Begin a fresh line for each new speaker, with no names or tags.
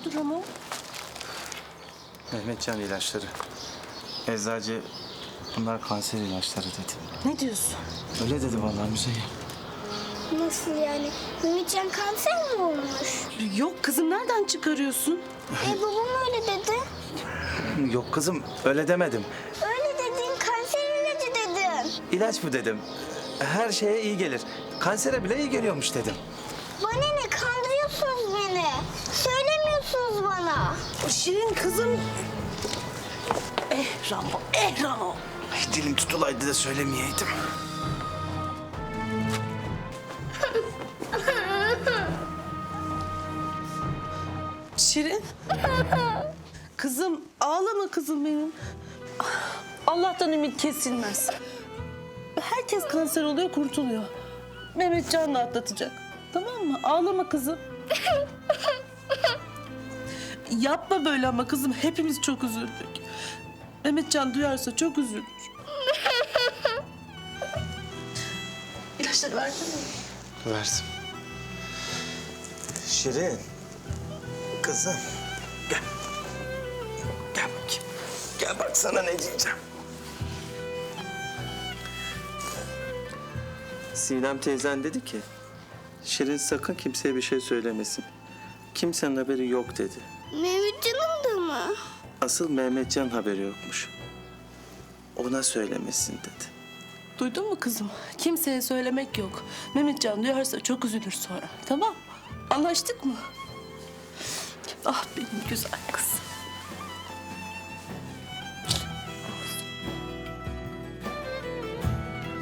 bu durumu?
Mehmetcan ilaçları. Eczacı bunlar kanser ilaçları dedi.
Ne diyorsun?
Öyle dedi vallahi Müzeyyen.
Nasıl yani? Mehmetcan kanser mi olmuş?
Yok kızım, nereden çıkarıyorsun?
Babam öyle dedi.
Yok kızım öyle demedim.
Öyle dedin, kanser ilacı dedin.
İlaç bu dedim. Her şeye iyi gelir. Kansere bile iyi geliyormuş dedim.
Bana ne, kandırıyorsunuz beni. Söylemiyorsunuz bana.
Şirin kızım. Ramo, Ramo.
Ay, dilim tutulaydı da söylemeyeydim.
Şirin. Kızım, ağlama kızım benim. Allah'tan ümit kesilmez. Herkes kanser oluyor, kurtuluyor. Mehmetcan da atlatacak. Tamam mı? Ağlama kızım. Yapma böyle ama kızım. Hepimiz çok üzüldük. Mehmetcan duyarsa çok üzülür. İlaçları verdin mi?
Verdim. Şirin. Kızım. Gel. Gel bakayım. Gel bak sana ne diyeceğim. Sinem teyzen dedi ki... Şirin sakın kimseye bir şey söylemesin. Kimsenin haberi yok dedi.
Mehmetcan'ın da mı?
Asıl Mehmetcan haberi yokmuş. Ona söylemesin dedi.
Duydun mu kızım? Kimseye söylemek yok. Mehmetcan duyarsa çok üzülür sonra. Tamam? Anlaştık mı? Ah benim güzel kızım.